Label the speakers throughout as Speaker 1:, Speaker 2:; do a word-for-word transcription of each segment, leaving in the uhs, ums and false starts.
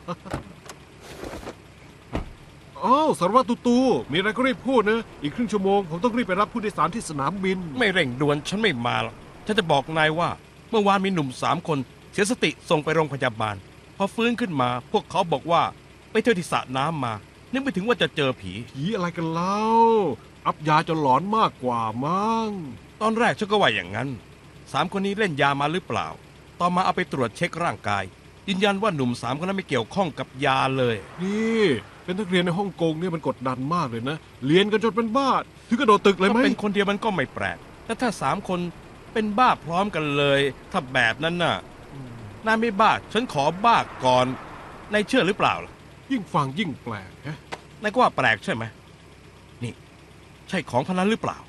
Speaker 1: อ้าวสารวัตรตูตูมีอะไรก็รีบพูดนะอีกครึ่งชั่วโมงผมต้องรีบไปรับผู้โดยสารที่สนามบิน
Speaker 2: ไม่เร่งด่วนฉันไม่มาหรอกฉันจะบอกนายว่าเมื่อวานมีหนุ่มสามคนเสียสติส่งไปโรงพยาบาลพอฟื้นขึ้นมาพวกเขาบอกว่าไปเที่ยวที่สระน้ำมานึกไม่ถึงว่าจะเจอผี
Speaker 1: ผีอะไรกันเล่าอับยาจนหลอนมากกว่ามั้ง
Speaker 2: ตอนแรกฉันก็ว่าอย่างนั้นสามคนนี้เล่นยามาหรือเปล่าต่อมาเอาไปตรวจเช็คร่างกายยืนยันว่าหนุ่มสามคนนั้นไม่เกี่ยวข้องกับยาเลย
Speaker 1: นี่เป็นนักเรียนในฮ่องกงเนี่ยมันกดดันมากเลยนะเรียนกันจนเป็นบ้าถึงกระโดดตึกเลยไหม
Speaker 2: ก็เป็นคนเดียวมันก็ไม่แปลกแต่ถ้าสามคนเป็นบ้าพร้อมกันเลยถ้าแบบนั้นน่ะนายไม่บ้าฉันขอบ้าก่อนนายเชื่อหรือเปล่าล่ะ
Speaker 1: ยิ่งฟังยิ่งแปลกฮะ
Speaker 2: นายก็ว่าแปลกใช่ไหมนี่ใช่ของพนันหรือเปล่า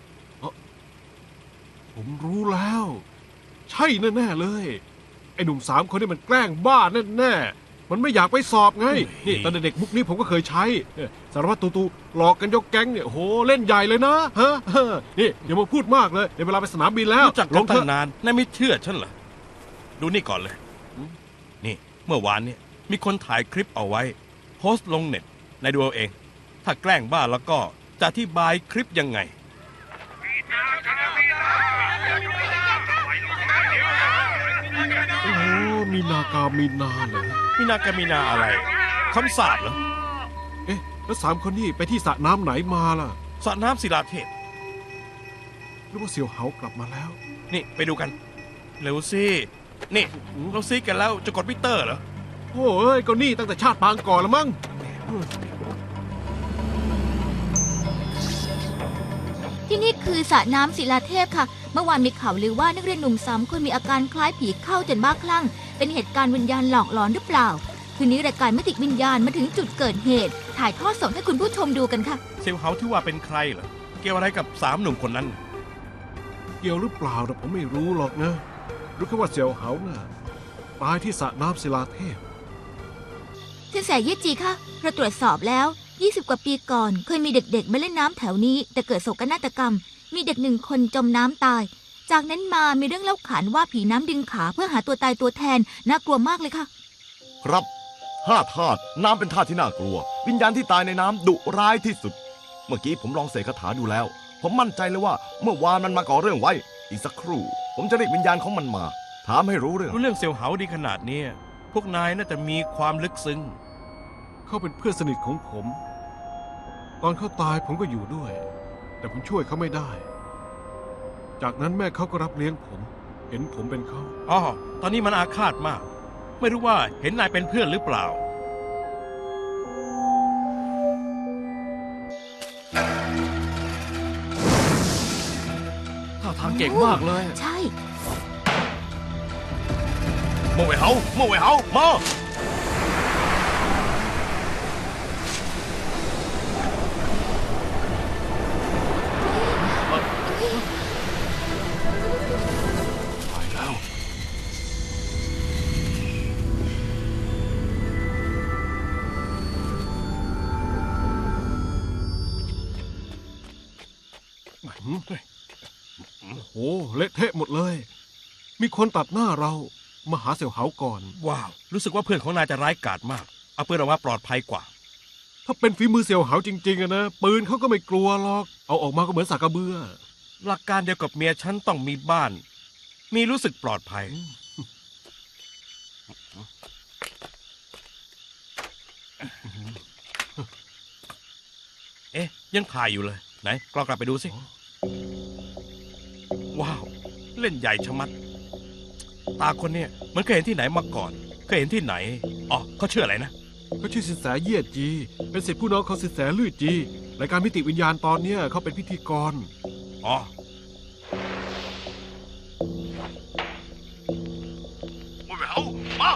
Speaker 1: ผมรู้แล้วใช่แน่ๆเลยไอ้หนุ่มสามคนนี่มันแกล้งบ้าแน่ๆมันไม่อยากไปสอบไงนี่ตอนเด็กมุกนี้ผมก็เคยใช้สารวัตรตูตูหลอกกันยกแก๊งเนี่ยโหเล่นใหญ่เลยนะฮะนี่อย่ามาพูดมากเลยเดี๋ยวเวลาไปสนามบินแล้ว
Speaker 2: รู้จักกันตั้งนานนายไม่เชื่อฉันเหรอดูนี่ก่อนเลยนี่เมื่อวานเนี่ยมีคนถ่ายคลิปเอาไว้โพสต์ลงเน็ตนายดูเอาเองถ้าแกล้งบ้าแล้วก็จะอธิบายคลิปยังไง
Speaker 1: โอ้มีนากามีนาเหรอ
Speaker 2: มีนากามีนาอะไรคำสาปเหรอ
Speaker 1: เอ๊ะแล้วสามคนนี้ไปที่สระน้ำไหนมาล่ะ
Speaker 2: สระน้ำศิลาเทพ
Speaker 1: หรือว่าเสี่ยวเหากลับมาแล้ว
Speaker 2: นี่ไปดูกันเร็วสินี่เราซีกันแล้วจะกดมิเตอร์เหรอ
Speaker 1: โอ้ยก็นี่ตั้งแต่ชาติปางก่อนละมั้ง
Speaker 3: ที่นี่คือสระน้ำศิลาเทพค่ะเมื่อวานมีข่าวลือว่านักเรียนหนุ่มสามคนมีอาการคล้ายผีเข้าจนบ้าคลั่งเป็นเหตุการณ์วิญญาณหลอกหลอนหรือเปล่าคืนนี้รายการมิติวิญญาณมาถึงจุดเกิดเหตุถ่ายทอดสดให้คุณผู้ชมดูกันค่ะ
Speaker 2: เซลเฮาที่ว่าเป็นใครเหรอเกี่ยวอะไรกับสามหนุ่มคนนั้น
Speaker 1: เกี่ยวหรือเปล่าแต่ผมไม่รู้หรอกนะรู้แค่ว่าเสี่ยวเหาน่ะตายที่สระน้ำศิลาเทพ
Speaker 3: สินแสเย่จีค่ะเราตรวจสอบแล้วยี่สิบกว่าปีก่อนเคยมีเด็กๆมาเล่นน้ำแถวนี้แต่เกิดโศกนาฏกรรมมีเด็กหนึ่งคนจมน้ำตายจากนั้นมามีเรื่องเล่าขานว่าผีน้ำดึงขาเพื่อหาตัวตายตัวแทนน่ากลัวมากเลยค่ะ
Speaker 4: ครับห้าธาตุน้ำเป็นธาตุที่น่ากลัววิญญาณที่ตายในน้ำดุร้ายที่สุดเมื่อกี้ผมลองเสกคาถาดูแล้วผมมั่นใจเลยว่าเมื่อวานมันมาก่อเรื่องไว้อีกสักครู่ผมจะเรียกวิญญาณของมันมาถามให้รู้เรื่อง
Speaker 2: รู้เรื่องเซลล์เหาดีขนาดนี้พวกนายน่าจะมีความลึกซึ้ง
Speaker 1: เขาเป็นเพื่อนสนิทของผมตอนเขาตายผมก็อยู่ด้วยแต่ผมช่วยเขาไม่ได้จากนั้นแม่เขาก็รับเลี้ยงผมเห็นผมเป็นเขา
Speaker 2: อ๋อตอนนี้มันอาฆาตมากไม่รู้ว่าเห็นนายเป็นเพื่อนหรือเปล่า
Speaker 5: ท่าทางเก่งมากเลย
Speaker 3: ใช่
Speaker 2: โมเวเฮาโมเวเฮามา
Speaker 1: โอ้เละเทะหมดเลยมีคนตัดหน้าเรามาหาเสี่ยวเหาก่อน
Speaker 2: ว้าวรู้สึกว่าเพื่อนของนายจะร้ายกาจมากเอาปืนออกมาปลอดภัยกว่า
Speaker 1: ถ้าเป็นฝีมือเสี่ยวเหาจริงๆอะนะปืนเขาก็ไม่กลัวหรอกเอาออกมาก็เหมือนสากกระเบือ
Speaker 2: หลักการเดียวกับเมียฉันต้องมีบ้านมีรู้สึกปลอดภัยเอ๊ะยังถ่ายอยู่เลยไหนกล้องกลับไปดูสิว้าวเล่นใหญ่ชะมัดตาคนเนี้ยมันเคยเห็นที่ไหนมาก่อนเคยเห็นที่ไหนอ๋อเขาชื่ออะไรนะ
Speaker 1: เขาชื่อสินแสเยี่ยจีเป็นศิษย์ผู้น้องของสินแสลื่อจีรายการมิติวิญญาณตอนเนี้ยเขาเป็นพิธีกร
Speaker 2: อ๋อมาเอามา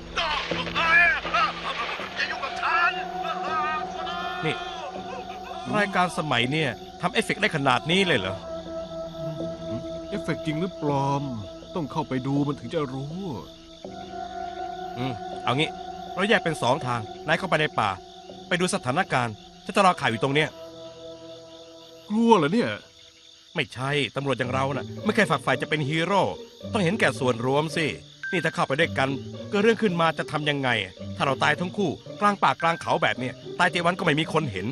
Speaker 2: อย่ายุ่งกับฉันนี่รายการสมัยเนี่ยทำเอฟเฟกต์ได้ขนาดนี้เลยเหรอ
Speaker 1: เอฟเฟกต์จริงหรือปลอมต้องเข้าไปดูมันถึงจะรู้
Speaker 2: อืมเอางี้เราแยกเป็นสองทางนายเข้าไปในป่าไปดูสถานการณ์ฉันจะรอข่าวอยู่ตรงเนี้ย
Speaker 1: กลัวเหรอเนี่ย
Speaker 2: ไม่ใช่ตำรวจอย่างเราน่ะไม่เคยฝักใฝ่จะเป็นฮีโร่ต้องเห็นแก่ส่วนรวมสินี่ถ้าเข้าไปด้วยกันเกิดเรื่องขึ้นมาจะทำยังไง ถ้าเราตายทั้งคู่กลางป่ากลางเขาแบบเนี้ยตายเจวันก็ไม่มีคนเห็น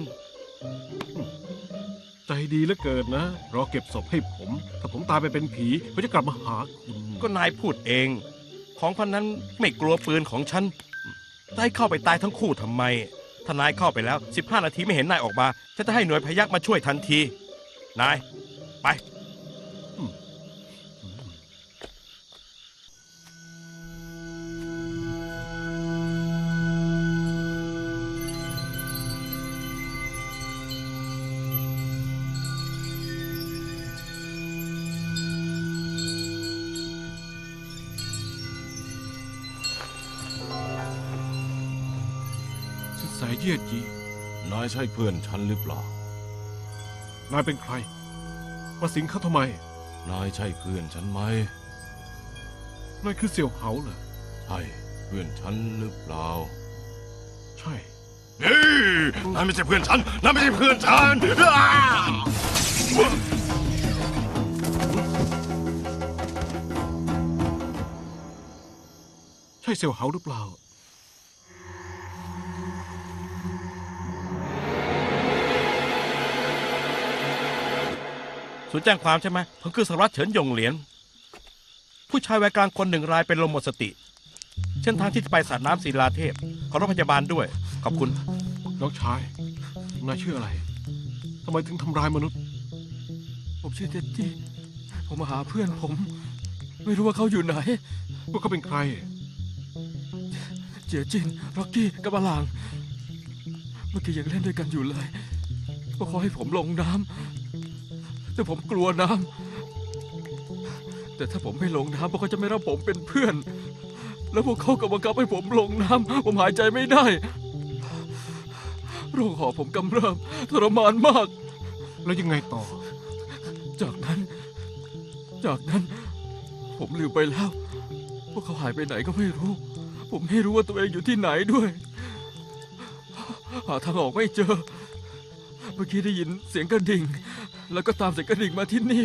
Speaker 1: ใจดีเหลือเกินนะรอเก็บศพให้ผม ถ้าผมตายไปเป็นผีผมจะกลับมาหาคุณ
Speaker 2: ก็นายพูดเอง ของพันนั้นไม่กลัวปืนของฉันนายเข้าไปตายทั้งคู่ทำไม ถ้านายเข้าไปแล้วสิบห้านาทีไม่เห็นนายออกมาฉันจะให้หน่วยพยัคฆ์มาช่วยทันที นาย ไป
Speaker 1: สินแสเยี่ยจี
Speaker 4: นายใช่เพื่อนฉันหรือเปล่า
Speaker 1: นายเป็นใคร มาสิงเขาทำไม
Speaker 4: นายใช่เพื่อนฉันไหม
Speaker 1: นายคือเสี่ยวเหาเหรอ
Speaker 4: ใช่เพื่อนฉันหรือเปล่า
Speaker 1: ใช่
Speaker 4: เฮ้ยนายไม่ใช่เพื่อนฉัน นายไม่ใช่เพื่อนฉัน
Speaker 1: ใช่เสี่ยวเหาหรือเปล่า
Speaker 2: ศูนย์แจ้งความใช่ไหมผมคือสารวัตรเฉินหยงเหรียญผู้ชายวัยกลางคนหนึ่งรายเป็นลมหมดสติ เส้นทางที่จะไปสระน้ำศิลาเทพ ขอรถพยาบาลด้วย ขอบคุณ
Speaker 1: น้องชาย นายชื่ออะไร ทำไมถึงทำร้ายมนุษย์
Speaker 5: ผมชื่อเท็ดดี้ผมมาหาเพื่อนผม ไม่รู้ว่าเขาอยู่ไหน
Speaker 1: พวกเขาเป็นใคร
Speaker 5: เจียจินร็อกกี้กับอลาง เมื่อกี้ยังเล่นด้วยกันอยู่เลยพวกเขาให้ผมลงน้ำแต่ผมกลัวน้ำแต่ถ้าผมไม่ลงน้ำพวกเขาจะไม่รับผมเป็นเพื่อน แล้วพวกเขาก็บังคับให้ผมลงน้ำผมหายใจไม่ได้โรคหอบผมกำเริบทรมานมาก
Speaker 1: แล้วยังไงต่อ
Speaker 5: จากนั้น จากนั้น ผมลืมไปแล้ว พวกเขาหายไปไหนก็ไม่รู้ ผมไม่รู้ว่าตัวเองอยู่ที่ไหนด้วย หาทางออกไม่เจอ เมื่อกี้ได้ยินเสียงกระดิ่ง แล้วก็ตามเสียงกระดิ่งมาที่นี่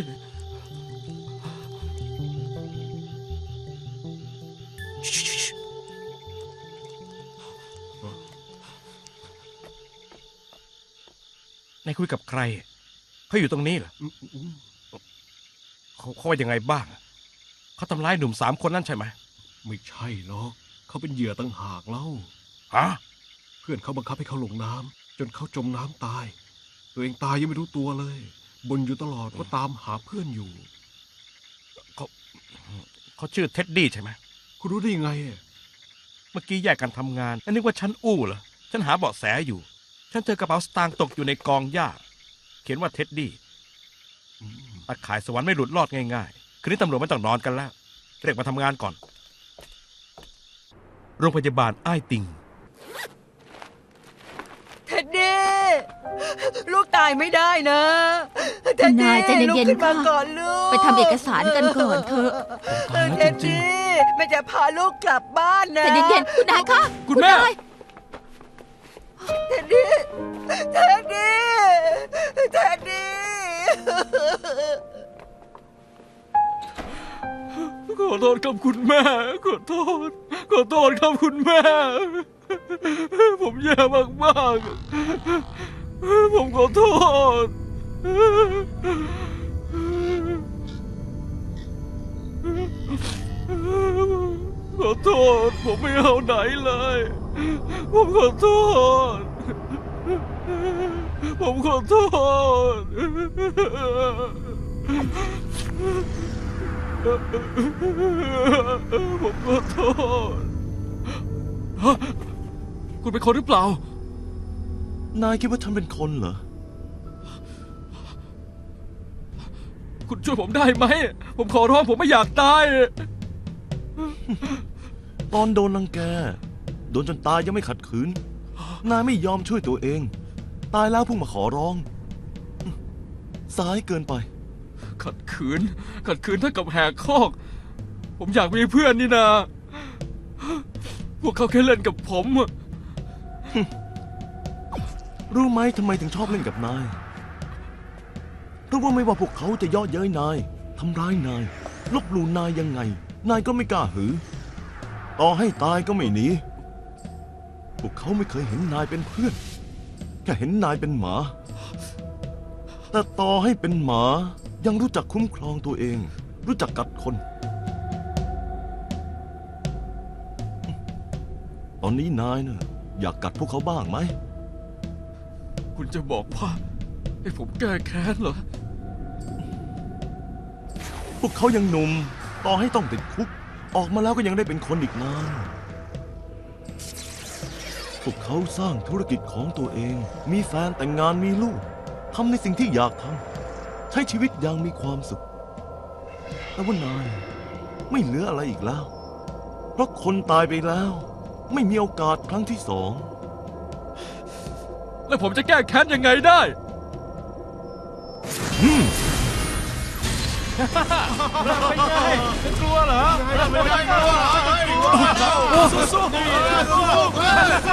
Speaker 2: นายคุยกับใคร เขาอยู่ตรงนี้เหรอ
Speaker 1: อืมอืม
Speaker 2: เขาเขาว่ายังไงบ้าง เขาทำร้ายหนุ่มสามคนนั่นใช่ไหม
Speaker 1: ไม่ใช่หรอก เขาเป็นเหยื่อตั้งหากเล่า
Speaker 2: ฮะ
Speaker 1: เพื่อนเขาบังคับให้เขาลงน้ำจนเขาจมน้ำตาย ตัวเองตายยังไม่รู้ตัวเลยบ่นอยู่ตลอดว่าตามหาเพื่อนอยู่
Speaker 2: เขาเขาชื่อเท็ดดี้ใช่ไหม
Speaker 1: คุณรู้ได้ยังไงอะ
Speaker 2: เมื่อกี้แยกกันทำงานแล้วนึกว่าฉันอู้เหรอ ฉันหาเบาะแสอยู่ ฉันเจอกระเป๋าสตางค์ตกอยู่ในกองหญ้า เขียนว่าเท็ดดี้
Speaker 1: อืม
Speaker 2: ตาข่ายสวรรค์ไม่หลุดรอดง่ายๆ คืนนี้ตำรวจไม่ต้องนอนกันแล้ว เรียกมาทำงานก่อน โรงพยาบาลอ้ายติง
Speaker 6: เท็ดดี้ลูกตายไม่ได้นะเท็ด
Speaker 3: คุณนา
Speaker 6: ดี้
Speaker 3: ยใจเย็นๆ
Speaker 6: ลุกขึ้นมา
Speaker 3: ค่ะ
Speaker 6: ก่อนลูก
Speaker 3: ไปทำเอกสารกันก่อนเถอะ
Speaker 5: ตายแล้ว
Speaker 6: เท็ด
Speaker 5: จริง
Speaker 6: ดี้แม่จะพาลูกกลับบ้านนะ
Speaker 3: ใจเย็นๆคุณนายคะ
Speaker 5: คุณแม่
Speaker 3: นาย
Speaker 6: เท็ดดี้เท็ดดี้เท็ดดี้
Speaker 5: ขอโทษครับคุณแม่ ขอโทษ ขอโทษครับคุณแม่ ผมแย่มากๆ ผมขอโทษ ขอโทษ ผมไม่เอาไหนเลย ผมขอโทษ ผมขอโทษ ผมขอโทษฮะคุณเป็นคนหรือเปล่า
Speaker 4: นายคิดว่าฉันเป็นคนเหรอ
Speaker 5: คุณช่วยผมได้ไหม ผมขอร้องผมไม่อยากตาย
Speaker 4: ตอนโดนรังแก โดนจนตายยังไม่ขัดขืน นายไม่ยอมช่วยตัวเอง ตายแล้วเพิ่งมาขอร้อง สายเกินไป
Speaker 5: ขัดขืน ขัดขืนเท่ากับแหกคอก ผมอยากมีเพื่อนนี่นา พวกเขาแค่เล่นกับผมอะ
Speaker 4: รู้ไหมทำไมถึงชอบเล่นกับนาย เพราะว่าไม่ว่าพวกเขาจะเย่อเย้ยนาย ทำร้ายนาย ลบหลู่นายยังไง นายก็ไม่กล้าหือต่อให้ตายก็ไม่หนี พวกเขาไม่เคยเห็นนายเป็นเพื่อน แค่เห็นนายเป็นหมา แต่ต่อให้เป็นหมายังรู้จักคุ้มครองตัวเอง รู้จักกัดคน ตอนนี้นายเนี่ยอยากกัดพวกเขาบ้างไหม
Speaker 5: คุณจะบอกว่าให้ผมแก้แค้นเหรอ
Speaker 4: พวกเขายังหนุ่ม ต่อให้ต้องติดคุก ออกมาแล้วก็ยังได้เป็นคนอีกนาน พวกเขาสร้างธุรกิจของตัวเอง มีแฟนแต่งงานมีลูก ทำในสิ่งที่อยากทำ ใช้ชีวิตอย่างมีความสุข แต่ว่านายไม่เหลืออะไรอีกแล้ว เพราะคนตายไปแล้ว ไม่มีโอกาสครั้งที่สอง
Speaker 5: แล้วผมจะแก้แค้นยังไงได้
Speaker 1: กลัวเหรอไม่ได้กลัวสู้ๆ